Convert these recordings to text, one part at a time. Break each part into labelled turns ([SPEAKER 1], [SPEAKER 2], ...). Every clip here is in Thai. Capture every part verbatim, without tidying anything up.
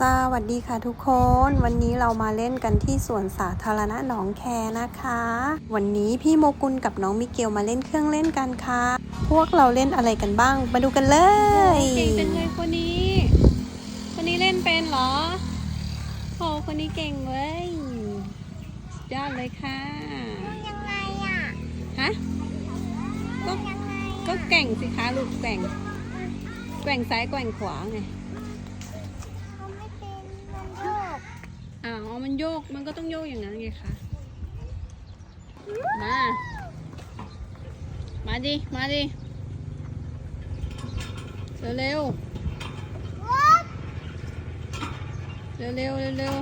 [SPEAKER 1] สวัสดีค่ะทุกคน วันนี้เรามาเล่นกันที่สวนสาธารณะหนองแคนะคะ วันนี้พี่โมกุลกับน้องมิเกลมาเล่นเครื่องเล่นกันค่ะ พวกเราเล่นอะไรกันบ้างมาดูกันเลย
[SPEAKER 2] เก่งจังเลยคนนี้คนนี้เล่นเป็นเหรอโอ้คนนี้เก่งเว้ยสุดยอดเลยค่ะ
[SPEAKER 3] ยังไงอ่ะ
[SPEAKER 2] ฮะก็ก็แกว่งสิคะลูกแกว่งแกว่งซ้ายแกว่งขวาไง
[SPEAKER 3] เขาไม่เป็นมันโยก
[SPEAKER 2] อ้าวมันโยกมันก็ต้องโยกอย่างนั้นไงคะมามาดิมาดิเร็วเร็วเร็วเร็วเร็วเร็ว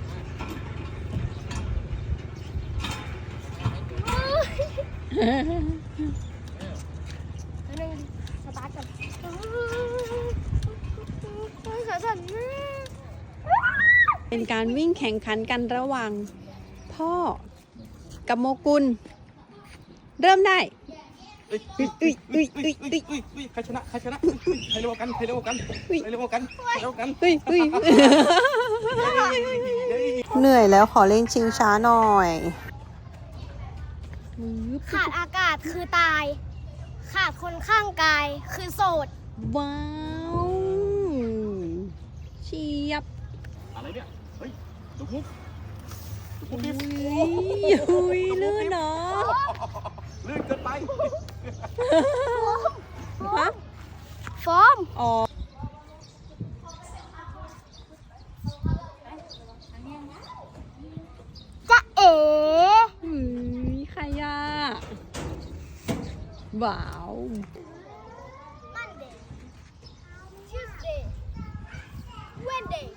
[SPEAKER 3] นึงสตาร์ทกันขาสั่นมาก
[SPEAKER 2] เป็นการวิ่งแข่งขันกันระหว่างพ่อกับโมกุลเริ่มได้อุ้ยอุ้ยอุ้ยอุ้ยอุ้ย
[SPEAKER 4] อุ้ยใครชนะใครชนะใครเร็วกันใครเร็วกันใครเร็วกันใครเร็วกัน
[SPEAKER 2] อุ้ยอุ้ย
[SPEAKER 1] เหนื่อยแล้วขอเล่นชิงช้าหน่อย
[SPEAKER 3] ขาดอากาศคือตาย ขาดคนข้างกายคือโสด
[SPEAKER 2] ว้าวเชียบ
[SPEAKER 4] อะไรเนี่ยเฮ้ยลูกมุกลูกมุก
[SPEAKER 2] อุ้
[SPEAKER 4] นี่
[SPEAKER 2] ยอุ้ยลื่นเนาะ
[SPEAKER 4] ลื่นเกินไป
[SPEAKER 2] ฮะ
[SPEAKER 3] ฟอม
[SPEAKER 2] อ๋อ
[SPEAKER 3] จะเอ๋
[SPEAKER 2] อุ้ยใครอะว้าว
[SPEAKER 3] มันเดย์ทิวสเดย์เวนเดย์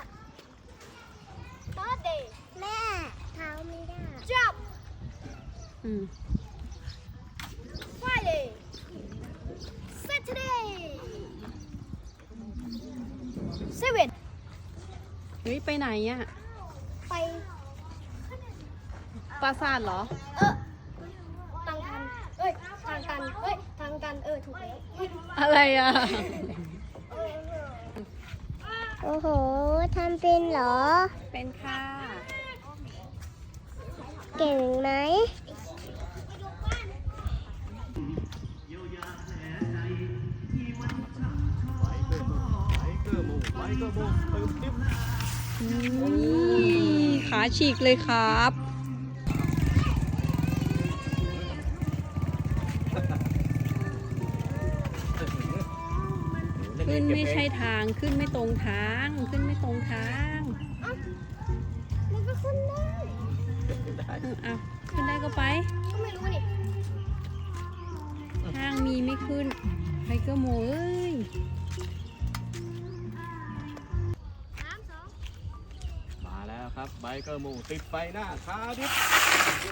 [SPEAKER 3] ทอร์เดย์แม่เท้าไม่ได้จับ
[SPEAKER 2] อืม
[SPEAKER 3] Friday Saturday Seven
[SPEAKER 2] เฮ้ยไปไหนอะ
[SPEAKER 3] ไป
[SPEAKER 2] ปราสาทเหรอ
[SPEAKER 3] เออทางกันเอ้ยทางกันเอ้ยทางกันเออถูกแล้ว
[SPEAKER 2] อะไรอะ
[SPEAKER 3] โอ้โหทำเป็นเหรอ
[SPEAKER 2] เป็นค่ะ
[SPEAKER 3] เก่งไหม
[SPEAKER 2] ขาฉีกเลยครับขึ้นไม่ใช่ทางขึ้นไม่ตรงทางขึ้นไม่ตรงทาง
[SPEAKER 3] มันก็ขึ้นได้
[SPEAKER 2] เออเอาขึ้นได้ก็ไป
[SPEAKER 3] ก็ไม่รู้นี่
[SPEAKER 2] ทางมีไม่ขึ้นไทเกอร์โมเอ้ย
[SPEAKER 3] สามสอง
[SPEAKER 4] มาแล้วครับไบเกอร์หมูติดไฟหน้าคาดิฟโอ้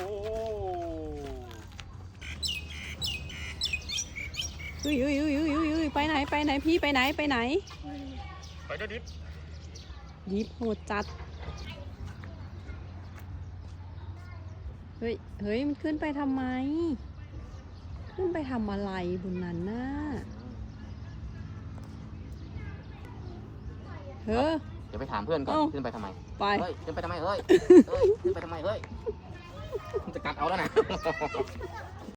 [SPEAKER 2] เฮ้ยเฮ้ยเฮ้ยเฮ้ยเฮ้ยเฮ้ยไปไหนไปไหนพี่ไปไหนไปไหน
[SPEAKER 4] ไปเด้อดิฟ
[SPEAKER 2] ยิบโหดจัดเฮ้ยเฮ้ยมันขึ้นไปทำไม ขึ้นไปทำอะไรบนนั้นน่ะเฮ้อ
[SPEAKER 5] เดี๋ยวไปถามเพื่อนก่อน
[SPEAKER 2] เอ้า
[SPEAKER 5] ขึ้นไปทำไม
[SPEAKER 2] ไป
[SPEAKER 5] เฮ้ย ขึ้นไปทำไม เฮ้ย เฮ้ย ขึ้นไปทำไม เฮ้ย มันจะกัดเอาแล้วนะ